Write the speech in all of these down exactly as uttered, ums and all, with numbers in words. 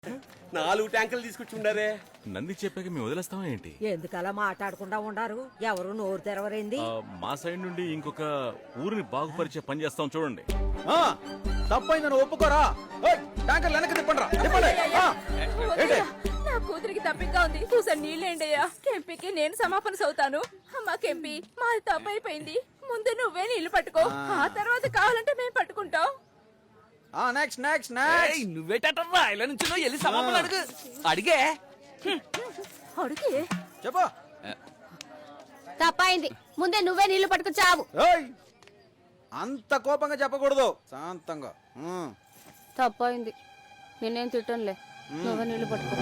నాలుగు ట్యాంకులు తీసుకొచ్చి ఉండారే. నంది చెప్పాక మేము వదిలేస్తామా ఏంటి? ఎందుకలా మాట్లాడకుండా ఉండారు? ఎవరు నోరు తెరవరైంది? మా సైడ్ నుండి ఇంకొక ఊరిని బాగుపరిచే పని చేస్తాం చూడండి. తప్పైందని ఒప్పుకోరా? ట్యాంకర్ వెనక్కి తిప్పండి రా, తిప్పండి. నా కూతురికి తప్పిగా ఉంది, చూసాను నీళ్ళేండయ్యా. కెంపీకి నేను సమాపన సవుతాను. అమ్మా కెంపీ, మాది తప్పు అయిపోయింది. ముందు నువ్వే నీళ్లు పట్టుకో, ఆ తర్వాత కావాలంటే మేము పట్టుకుంటాం. నెక్స్ట్ నెక్స్ట్ నెక్స్ట్ నువ్వేటరా ఇలా నుంచి వెళ్ళి సమాపన అడుగు. అడిగే అడిగే చెప్పు. తప్పైంది, ముందే నువ్వే నీళ్లు పట్టుకొచ్చావు. అంత కోపంగా చెప్పకూడదు, శాంతంగా. తప్పైంది, నేనేం తిట్టనులే, నువ్వే నీళ్లు పట్టుకో.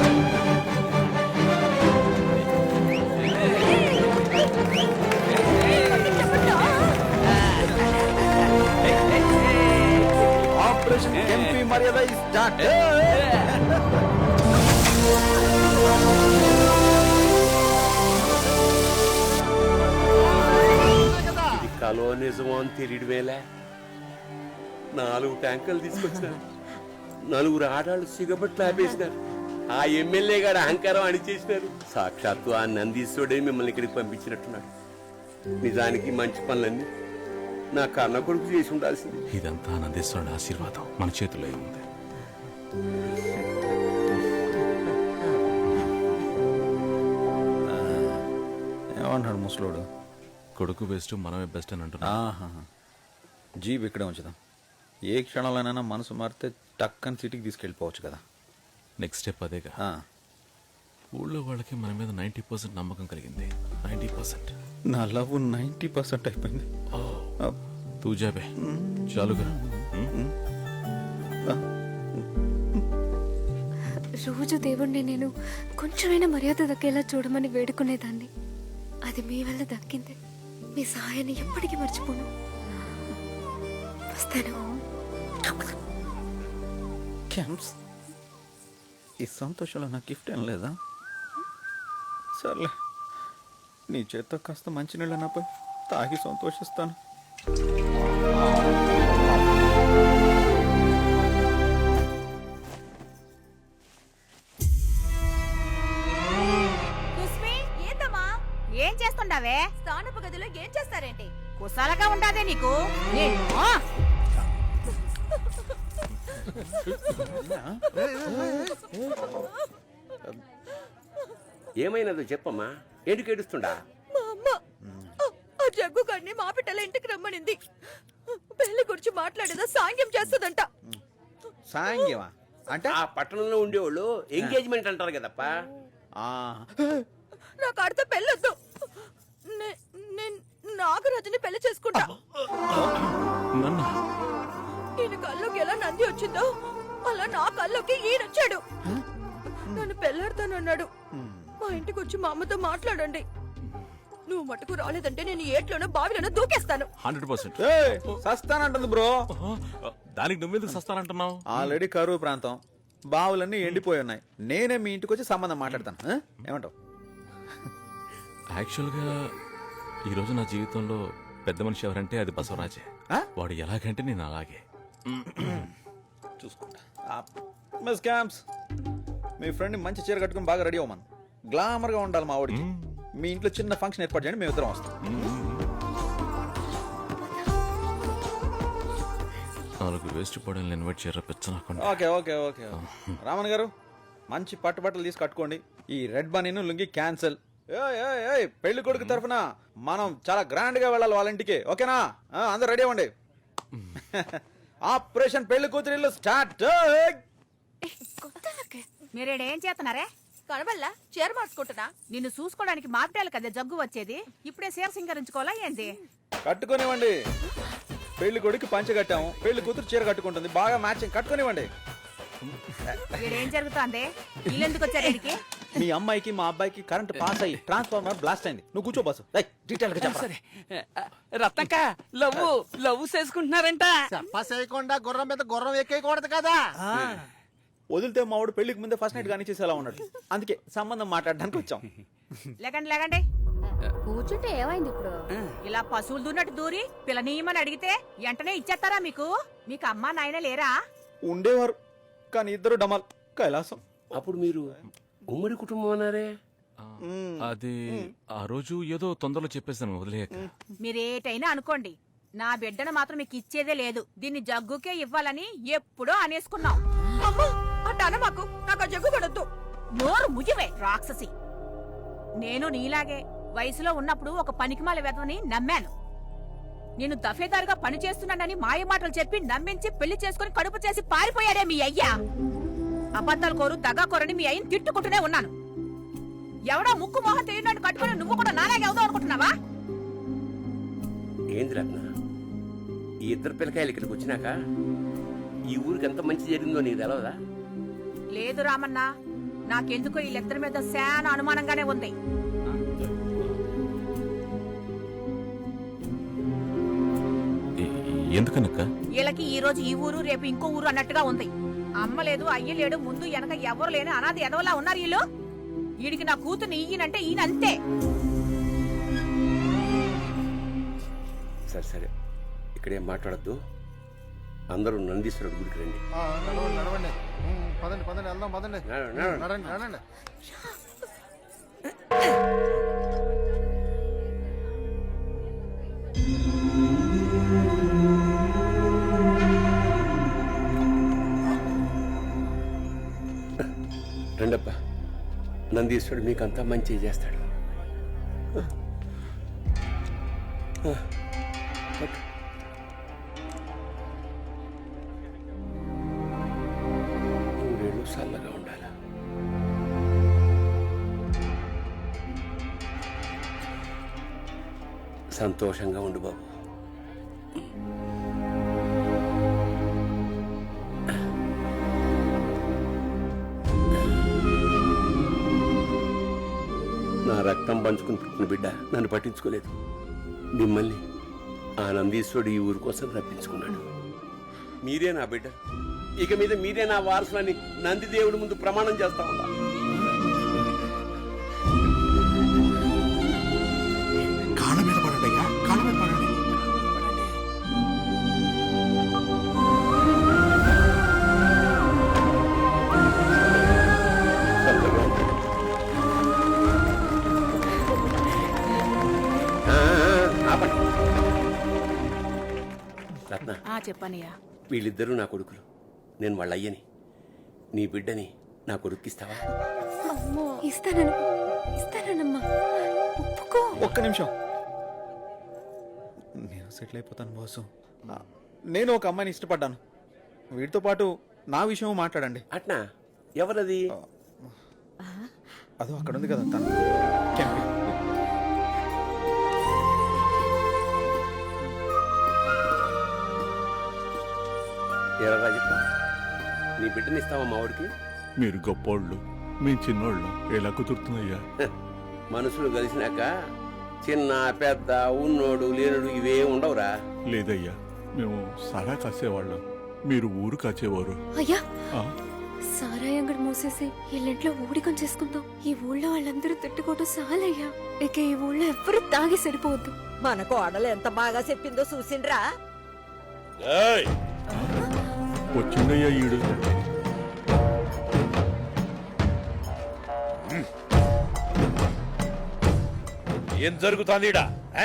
ఆపరేషన్ ఎంపీ మర్యాద స్టార్ట్. ఇది కలో నిజమో అని తెలియడమేలే. నాలుగు ట్యాంకులు తీసుకొచ్చినారు, నలుగురు ఆడాళ్ళు సిగబట్లు ఆపేసినారు, ఆ ఎమ్మెల్యే గారు అహంకారం అణిచేసినారు. సాక్షాత్తు ఆ నందీశ్వరుడే మిమ్మల్ని ఇక్కడికి పంపించినట్టున్నాడు. నిజానికి మంచి పనులన్నీ నా కన్న కొడుకు చేసి ఉండాల్సింది. ఇదంతా నందీశ్వరుడి ఆశీర్వాదం మన చేతిలో ఉంది. ఏమన్నాడు ముసలోడు? కొడుకు బెస్ట్, మనమే బెస్ట్ అని అంటున్నా. జీప్ ఇక్కడే ఉంచుదాం. ఏ క్షణంలోనైనా మనసు మారితే టక్కని సిటీకి తీసుకెళ్ళిపోవచ్చు కదా. నెక్స్ట్ స్టెప్ అదేగా. ఊళ్ళో వాళ్ళకి మన మీద నైన్టీ పర్సెంట్ నమ్మకం కలిగింది. నైన్టీ పర్సెంట్ నా లవ్ నైన్టీ పర్సెంట్ అయిపోయింది. తూజాబే చాలుగా. రోజు దేవుణ్ణి నేను కొంచెమైనా మర్యాద దక్కేలా చూడమని వేడుకునేదాన్ని. అది మీ వల్ల దక్కింది. మీ సహాయాన్ని ఎప్పటికీ మర్చిపోను. వస్తాను. క్యాంప్స్, ఈ సంతోషంలో నా గిఫ్ట్ ఏం లేదా? సర్లే, నీ చేత్తో కాస్త మంచినీళ్ళ నాపై తాగి సంతోషిస్తాను. ఏం చేస్తుండావే? స్థానపు గదిలో ఏం చేస్తారేంటి? కుశాలగా ఉండాదే నీకు. ఏమైనదో చెప్పమ్మా, ఏంటి కేడుస్తుండా? మా అమ్మ ఆ జగ్గు కన్ని మా పిట్టల ఇంటికి రమ్మనింది. పెళ్లి గురించి మాట్లాడేదా సాంగ్యం చేస్తుందంట. సాంగ్యమా అంటే? ఆ పట్టణంలో ఉండేవాళ్ళు ఎంగేజ్మెంట్ అంటారు కదప్పా. నాకు ఆడితో పెళ్ళొద్దు. నాగరాజుని పెళ్లి చేసుకుంటా. ఈయన కల్లోకి ఎలా నంది వచ్చిందో అలా నా కల్లోకి ఈయన వచ్చాడు. నన్ను పెళ్ళాడతానన్నాడు. మా ఇంటికి వచ్చి మా అమ్మతో మాట్లాడండి. నువ్వు మటుకు రాలేదంటే నేను ఏట్లోనో బావిలోనో దూకేస్తాను. హండ్రెడ్ పర్సెంట్ సస్తానంటుంది బ్రో. దానికి నువ్వెందుకు సస్తానంటున్నావు? ఆల్రెడీ కరువు ప్రాంతం, బావులన్నీ ఎండిపోయి ఉన్నాయి. నేనే మీ ఇంటికి వచ్చి సంబంధం మాట్లాడతాను. ఏమంటావు? యాక్చువల్గా ఈరోజు నా జీవితంలో పెద్ద మనిషి ఎవరంటే అది బసవరాజే. వాడు ఎలాగంటే నేను అలాగే చూసుకుంటా. మిస్ క్యాంప్స్, మీ ఫ్రెండ్ మంచి చీర కట్టుకుని బాగా రెడీ అవ్వమను. గ్లామర్ గా ఉండాలి మా వాడికి. మీ ఇంట్లో చిన్న ఫంక్షన్ ఏర్పాటు చేయండి, మేము ఇద్దరం వస్తాం. నాలుగు వేస్ట్ పడని ఇన్వైట్ చేయరా పెచ్చనాకుండా. Okay okay okay Raman garu, మంచి పట్టు బట్టలు తీసి కట్టుకోండి. ఈ రెడ్ బనీను లుంగి క్యాన్సల్. పెళ్లి కొడుకు తరఫున మనం చాలా గ్రాండ్ గా వెళ్ళాలి వాళ్ళ ఇంటికి. ఓకేనా? అందరు రెడీ అవ్వండి. ఆపరేషన్ పెళ్లి కూతురిల్లు స్టార్ట్. మీరేడేం చేస్తున్నారే? కనబల్లా చీర మార్చుకుంటున్నా. నిన్ను చూసుకోవడానికి మాపిటాలు కదా జగ్గు వచ్చేది. ఇప్పుడే చీర సింగరించుకోవాలా ఏంది? కట్టుకునివ్వండి. పెళ్లి కొడుకు పంచ కట్టాము, పెళ్లి కూతురు చీర కట్టుకుంటుంది. బాగా మ్యాచింగ్. కట్టుకునివ్వండి. ఏం జరుగుతుంది? ఇల్లెందుకు వచ్చారు? మీ అమ్మాయికి మా అబ్బాయికి కరెంట్ పాస్ అయ్యి ట్రాన్స్ఫార్మర్ బ్లాస్ట్ అయింది. నువ్వు కూర్చో బాసు. డీటెయిల్ గా చెప్పు. రత్నక్క లవ్ లవ్ చేసుకుంటున్నారంట. చేయకుండా గుర్రం మీద గుర్రం ఎక్కేయకూడదు కదా. వదిలితే మావాడు పెళ్లికి ముందే ఫస్ట్ నైట్ కానీ చేసేలా ఉన్నాడు. అందుకే సంబంధం మాట్లాడడానికి వచ్చాం. లేకండి లేకండి, కూర్చుంటే ఏమైంది ఇప్పుడు? ఇలా పశువులు దూన్నట్టు దూరి పిల్లనీయమని అడిగితే వెంటనే ఇచ్చేస్తారా మీకు? మీకు అమ్మా నాయన లేరా? ఉండేవారు, కానీ ఇద్దరు డమాల్. కైలాసం. అప్పుడు మీరు ఉమ్మడి కుటుంబం అన్నారే? అది ఆ రోజు ఏదో తొందరలో చెప్పేసాను వదిలేయక. మీరేటైనా అనుకోండి, నా బిడ్డను మాత్రం మీకు ఇచ్చేదే లేదు. దీన్ని జగ్గుకే ఇవ్వాలని ఎప్పుడో అనేసుకున్నాం. మాకు నాకు జగ్గు పడద్దు. నోరు ముయ్యవే రాక్షసి. నేను నీలాగే వయసులో ఉన్నప్పుడు ఒక పనికిమాల వెధవని నమ్మాను. నేను దఫేదారుగా పని చేస్తున్నానని మాయ మాటలు చెప్పి నమ్మించి పెళ్లి చేసుకుని కడుపు చేసి పారిపోయాడే మీ అయ్యా. అబద్ధాలు కోరు దగా కోరని మీ అయ్యని తిట్టుకుంటూనే ఉన్నాను. ఎవడో ముక్కు మొహం తెలియనట్టు కట్టుకుని నువ్వు కూడా నాలాగే అవుదాం అనుకుంటున్నావా? ఏంది రత్న, ఈ ఇద్దరు పిల్లకాయలు ఇక్కడికి వచ్చినాక ఈ ఊరికి ఎంత మంచి జరిగిందో నీకు తెలవదా? లేదు రామన్న, నాకెందుకో వీళ్ళిద్దరి మీద శాన అనుమానంగానే ఉంది. ఎందుకనక్క? వీళ్ళకి ఈ రోజు ఈ ఊరు రేపు ఇంకో ఊరు అన్నట్టుగా ఉంది. అమ్మ లేదు, అయ్య లేడు, ముందు వెనక ఎవరు లేని అనాథ ఎదవలా ఉన్నారు వీళ్ళు. వీడికి నా కూతుర్ని ఈయనంటే ఈయన అంతే. సరే సరే, ఇక్కడేం మాట్లాడద్దు. అందరూ నందీశ్వరుడు గుడికి రండి. ఆ, నడవండి నడవండి ఉమ్, పదండి పదండి వెళ్దాం పదండి నడవండి, నడవండి. నడండి నడండి. రండప్ప, నందీశ్వరుడు మీకంతా మంచి చేస్తాడు. పట్టు. నూరేళ్ళు చల్లగా ఉండాలి. సంతోషంగా ఉండు బాబు. నా రక్తం పంచుకుని పుట్టిన బిడ్డ నన్ను పట్టించుకోలేదు. మిమ్మల్ని ఆ నందీశ్వరుడు ఈ ఊరి కోసం రప్పించుకున్నాడు. మీరే నా బిడ్డ, ఇక మీద మీరే నా వారసులని నంది దేవుడి ముందు ప్రమాణం చేస్తా ఉన్నా. కాళ్ళ మీద పడండి అయ్యా, కాళ్ళ మీద పడండి. రత్న, చెప్పనయ్యా. వీళ్ళిద్దరూ నా కొడుకులు, నేను వాళ్ళ అయ్యని. నీ బిడ్డని నా కొడుక్కిస్తావా? ఇస్తానను ఇస్తానమ్మా, ఒప్పుకో. ఒక్క నిమిషం, నేను సెటిల్ అయిపోతాను బాసు. నేను ఒక అమ్మాయిని ఇష్టపడ్డాను. వీటితో పాటు నా విషయం మాట్లాడండి. అట్నా? ఎవరది? అదో అక్కడ ఉంది కదా తను. క్యాంపీ. ఎరా రాజప్ప, నీ బిడ్డని ఇస్తావా మా వాడికి? మీరు గొప్పోళ్ళు, మీ చిన్నోళ్ళు ఎలా కుదురుతుందయ్యా? మనుషులు కలిసినాక చిన్న పెద్ద ఉన్నోడు లేనుడు ఇవే ఉండవురా. లేదయ్యా, మేము సారా కాసేవాళ్ళం, మీరు ఊరు కాచేవారు. అయ్యా, ఆ? సారాయి అంగడి మూసేసి ఇల్లింట్లో ఊడికం చేసుకుందాం. ఈ ఊళ్ళో వాళ్ళందరూ తిట్టుకోవడం చాలయ్యా. ఇక ఈ ఊళ్ళో ఎవ్వరూ తాగి సరిపోవద్దు. మన కోడలు ఎంత బాగా చెప్పిందో చూసిండ్రా. వచ్చిందయ్యా ఈడు. ఏం జరుగుతోంది ఈడ?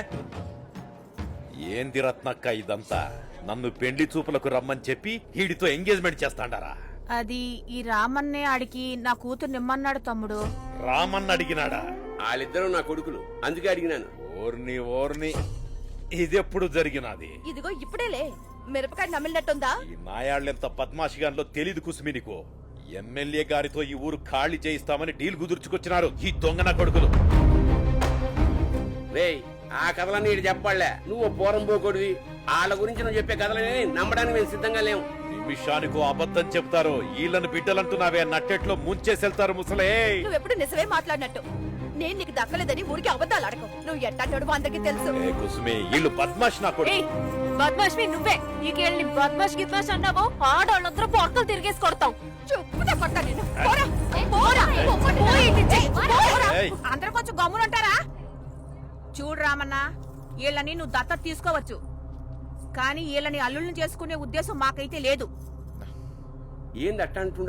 ఏంది రత్నక్క ఇదంతా? నన్ను పెండ్లి చూపులకు రమ్మని చెప్పి వీడితో ఎంగేజ్మెంట్ చేస్తాండారా? అది ఈ రామన్నే ఆడికి నా కూతురు నిమ్మన్నాడు తమ్ముడు. రామన్న అడిగినాడా? వాళ్ళిద్దరూ నా కొడుకులు, అందుకే అడిగినాను. ఓర్ని ఓర్ని, ఇదెప్పుడు జరిగినది? ఇదిగో ఇప్పుడేలే మిరపకాయ నమిలినట్టుందా? ఈ నాయాళ్ళెంత పద్మాషిగాన్లో తెలీదు కుసుమి నీకు. ఎమ్మెల్యే గారితో ఈ ఊరు ఖాళీ చేయిస్తామని డీల్ కుదుర్చుకొచ్చినారు ఈ దొంగ నా కొడుకులు. రేయ్, ఆ కథలన్నీ ఇటు చెప్పాలే. నువ్వు పోరం పోకొడివి. వాళ్ళ గురించి నువ్వు చెప్పే కథలని నమ్మడానికి మేము సిద్ధంగా లేవు. నిమిషానికో అబద్ధం చెప్తారు. వీళ్ళని బిడ్డలంటున్నావే, నట్టెట్లో ముంచేసెళ్తారు ముసలే. నువ్వెప్పుడు నిజమే మాట్లాడినట్టు. నేను నీకు దక్కలేదని ఊరికి అబద్ధాలు ఆడకు. నువ్వు ఎట్టంటాడు అందరికి తెలుసు. ఏ కుసుమి, వీళ్ళు బద్మాష్ నా కొడుకు. బద్మాష్మి నువ్వే. నీకేళ్ళని బద్మాష్ గిద్మాష్ అన్నావో ఆడవాళ్ళందరూ పొట్టలు తిరిగేసి కొడతాం. చెప్పుదా కొట్టా నిన్ను. పోరా, పోరా, పో ఇంటి నుంచి. పోరా. అందరూ కొంచెం గమ్మునుంటారా? చూడు రామన్న, వీళ్ళని నువ్వు దత్తత తీసుకోవచ్చు, కానీ వీళ్ళని అల్లుళ్ళని చేసుకునే ఉద్దేశం మాకైతే లేదు. ఏంది అట్ట అంటుండవు?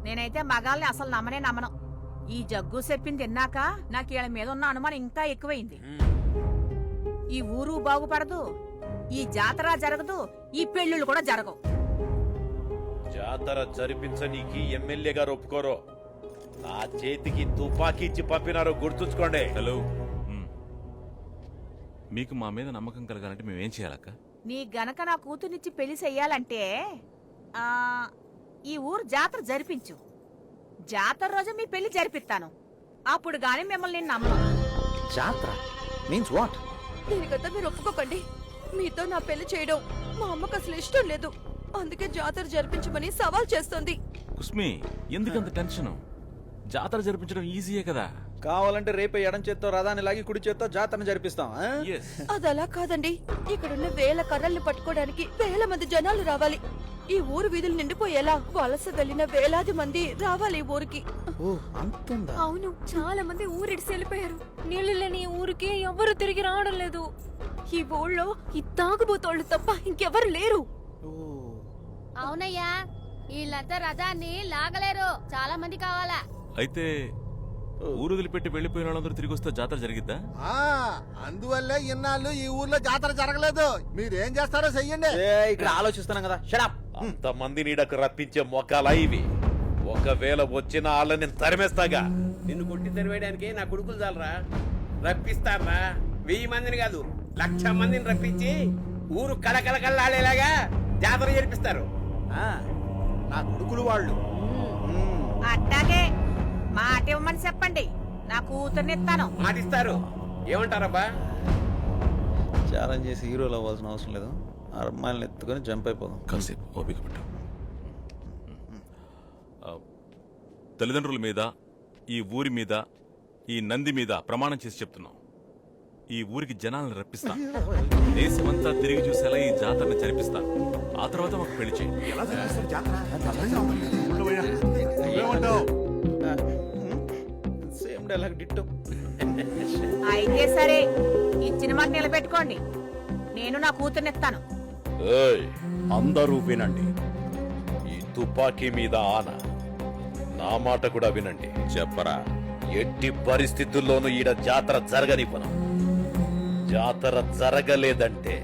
నేనైతే మగాల్ని అసలు నమ్మనే నమ్మను. ఈ జగ్గు చెప్పింది తిన్నాక నాకు వీళ్ళ మీద ఉన్న అనుమానం ఇంకా ఎక్కువైంది. ఈ ఊరు బాగుపడదు, ఈ జాతర జరగదు, ఈ పెళ్ళిళ్ళు కూడా జరగవు. జాతర జరిపించనీకి ఎమ్మెల్యే గారు ఒప్పుకోరు. నా చేతికి తుపాకీ ఇచ్చి పంపినారు, గుర్తుంచుకోండి. హలో మ్. మీకు మా మీద నమ్మకం కలగాలంటే మేమేం చేయాలక్క? నీ గనక నా కూతుర్నిచ్చి పెళ్లి చెయ్యాలంటే ఆ ఈ ఊరు జాతర జరిపించు. జాతర రోజు మీ పెళ్లి జరిపిస్తాను. అప్పుడు గాని మిమ్మల్ని నేను నమ్మను. జాత్ర మీన్స్ వాట్? దీనికంతా మీరు ఒప్పుకోకండి. మీతో నా పెళ్లి చేయడం మా అమ్మకు అసలు ఇష్టం లేదు. అందుకే జాతర జరిపించమని సవాల్ చేస్తోంది. కుస్మి, ఎందుకంత టెన్షన్? జాతర జరిపించడం ఈజీయే కదా. కావాలంటే రేపే ఎడం చేత్తో రథాన్ని లాగి కుడి చేత్తో జాతరను జరిపిస్తాం. ఆ? Yes. అదలా కాదండి. ఇక్కడున్న వేల కర్రల్ని పట్టుకోవడానికి వేల మంది జనాలు రావాలి. ఈ ఊరు వీధులు నిండిపోయేలా వలస వెళ్లిన వేలాది మంది రావాలి ఈ ఊరికి. ఓ, అంతుందా? అవును, చాలా మంది ఊరిడిసి వెళ్ళిపోయారు. నీళ్లు లేని ఈ ఊరికి ఎవరు తిరిగి రావడం లేదు. ఈ ఊళ్ళో ఈ తాగుబోతోళ్ళు తప్ప ఇంకెవరు లేరు. అవునయ్యా, వీళ్ళంతా రథాన్ని లాగలేరు. చాలా మంది కావాలా. అయితే ఊరు వదిలిపెట్టి వెళ్ళిపోయిన వాళ్ళందరూ తిరిగి వస్తే జాతర జరిగిద్దా? ఆ, అందువల్లే ఇన్నాళ్ళు ఈ ఊర్లో జాతర జరగలేదు. మీరేం చేస్తారో చెయ్యండి. ఏయ్, ఇక్కడ ఆలోచిస్తున్నాం కదా. షడప్. అంతమంది నీడకు రప్పించే మొక్కలా ఇవి. ఒకవేళ వచ్చిన వాళ్ళని తరిమేస్తాగా. నిన్ను కొట్టి తెరవేయడానికి నా కొడుకులు చాలరా? రప్పిస్తారా? వెయ్యి మందిని కాదు, లక్ష మందిని రప్పించి ఊరు కళకళకళలాడేలాగా జాతర జరిపిస్తారు. ఆ, నా కొడుకులు వాళ్ళు. అట్టాగే మాట ఇవ్వమని చెప్పండి. నా కూతుర్నిస్తాను. మాటిస్తారు. ఏమంటారబ్బా? ఛాలెంజ్ చేసి హీరోలు అవ్వాల్సిన అవసరం లేదు. ఆ అమ్మాయిలను ఎత్తుకొని జంప్ అయిపోదాం. కాసేపు ఓపిక పెట్టు. ఆ, తల్లిదండ్రుల మీద, ఈ ఊరి మీద, ఈ నంది మీద ప్రమాణం చేసి చెప్తున్నాం. ఈ ఊరికి జనాలను రప్పిస్తా, దేశమంతా తిరిగి చూసేలా ఈ జాతరని జరిపిస్తాను. ఆ తర్వాత మాకు పెళ్లి చేయండి. ఎలా జరిపిస్తారు జాతర? చల్లగా ఉంటుంది. ఉండవయ్యా. ఏమంటావ్? Same dialogue ditto. అయితే సరే, ఇచ్చిన మాట నిలబెట్టుకోండి. నేను నా కూతుర్నిస్తాను. ఏయ్, అందరూ వినండి. ఈ తుపాకీ మీద ఆన. నా మాట కూడా వినండి. చెప్పరా, ఎట్టి పరిస్థితుల్లోనూ ఈడ జాతర జరగనివ్వను. జాతర జరగలేదంటే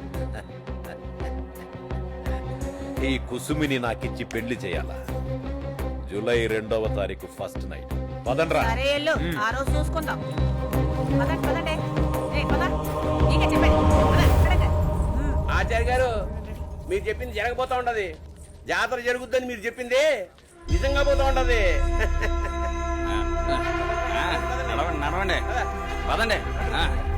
ఈ కుసుమిని నాకిచ్చి పెళ్లి చేయాలా? జూలై రెండవ తారీఖు ఫస్ట్ నైట్. పదండ్రా. సరే ఎల్లు, ఆ రోజు చూసుకుందాం. పదండి పదండి. ఏయ్, పద. నీకే చెప్పేది. పద, పదండి. ఉమ్. ఆచార్య గారు, మీరు చెప్పింది జరగబోతా ఉండదు. జాతర జరుగుద్దని మీరు చెప్పింది నిజంగా పోతా ఉండదు. నడవండి నడవండి పదండి. ఆ.